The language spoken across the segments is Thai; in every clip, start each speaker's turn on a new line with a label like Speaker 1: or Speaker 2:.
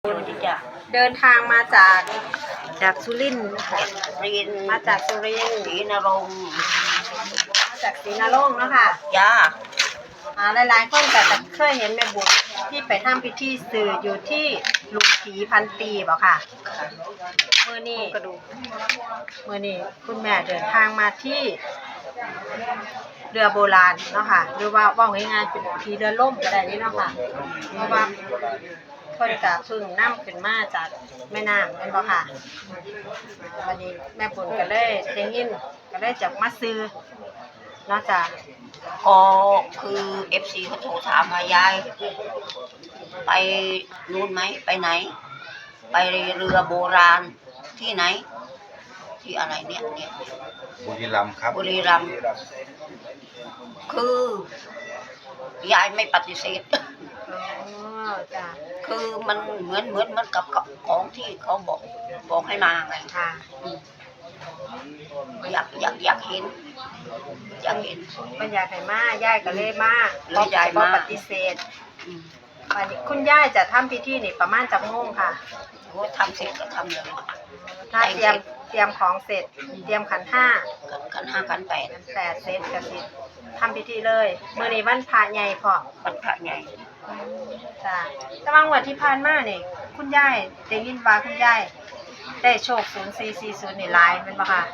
Speaker 1: จ้ะ
Speaker 2: เดินทางมาจากสุรินทร์ค่ะ
Speaker 1: รีน
Speaker 2: มาจากสุรินทร์
Speaker 1: ศรีนรงค์
Speaker 2: มาจากศรีนรงค์เนาะค่ะ
Speaker 1: จ้า
Speaker 2: หลายๆคนแต่เคยเห็นแม่บุญที่ไปทำพิธีสื่ออยู่ที่ลุงผีพันปีบ่ค่ะมื้อนี้คุณแม่เดินทางมาที่เรือโบราณเนาะค่ะหรือว่าว่าง่ายๆเป็นที่เรือล่มก็ได้นี่เนาะค่ะเพราะว่าเพิ่นก็เพิ่งนำขึ้นมาจากแม่น้ำแม่นบ่ค่ะวันนี้แม่บุญก็เลยได้ยินก็เลยจะมาซื้อเนาะจ้ะ
Speaker 1: ก็คือFCเขาโทรถามมายายไปนู่นไหมไปไหน ไปเรือโบราณที่ไหน ที่อะไรเนี่ย
Speaker 3: บุรีรัมย์ครับ
Speaker 1: บุรีรัมย์คือยายไม่ปฏิเสธ
Speaker 2: อ๋อจ้ะ
Speaker 1: คือมันเหมือนกับของที่เขาบอกให้มาไง
Speaker 2: ค่ะ
Speaker 1: อยากเห็น
Speaker 2: มันอยากให้มาย่ายก็เลยมา
Speaker 1: เลยย้ายมา
Speaker 2: บ่ปฏิเสธวันนี้คุณย่ายจะทำพิธีนี่ประมาณจักโมงค่ะ
Speaker 1: โอ้ทำเสร็จก็ทำเลย
Speaker 2: ถ้าเตรียมของเสร็จเตรียมขันห้า
Speaker 1: ขันห้าขันแปด
Speaker 2: ขันแปดเสร็จก็สิทำพิธีเลยมื้อนี้วันพระใหญ่พร้อม
Speaker 1: วันพระใหญ่
Speaker 2: จ้ะแต่ว่างวดที่ผ่านมานี่คุณย่ายได้ยินว่าคุณย่ายได้โชค0440นี่หลายแม่นบ่ค่ะ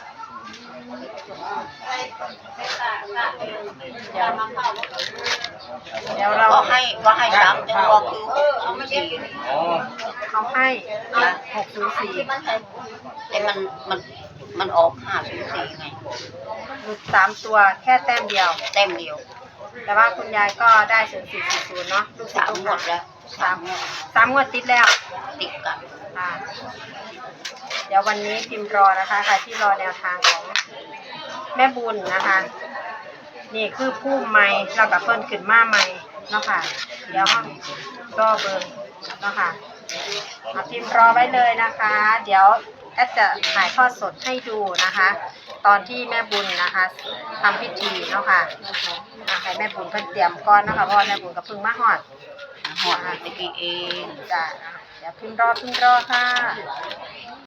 Speaker 2: เดี๋ยวเรา
Speaker 1: ก็ให้สามตัวคือ604
Speaker 2: เขาให้604
Speaker 1: แต่มันออก504ไง
Speaker 2: หลุด3ตัวแค่แต้มเดียว
Speaker 1: เต็มเดียว
Speaker 2: แต่ว่าคุณยายก็ได้0440เนาะลูกศิษ
Speaker 1: สาม
Speaker 2: ย์
Speaker 1: งวดแล้วสามงวด
Speaker 2: 3 งวดติดแล้ว
Speaker 1: ติดกัน
Speaker 2: ค่ะเดี๋ยววันนี้พิมพ์รอนะคะใครที่รอแนวทางของแม่บุญนะคะ นี่คือผู้ใหม่เรากับเพิ่นขึ้นมาใหม่เนาะค่ะ เดี๋ยวห้องรอเบิ่งเนาะค่ะเอาพิมพ์รอไว้เลยนะคะ เดี๋ยวแอดจะถ่ายทอดสดให้ดูนะคะ ตอนที่แม่บุญนะคะทำพิธีเนาะค่ะให้แม่บุญเพิ่นเตรียมก่อนเนาะค่ะเพราะว่าแม่บุญก็เพิ่งมาฮอด
Speaker 1: หอดเมื่อกี้เอง
Speaker 2: จ้ะเดี๋ยวพิมพ์รอค่ะ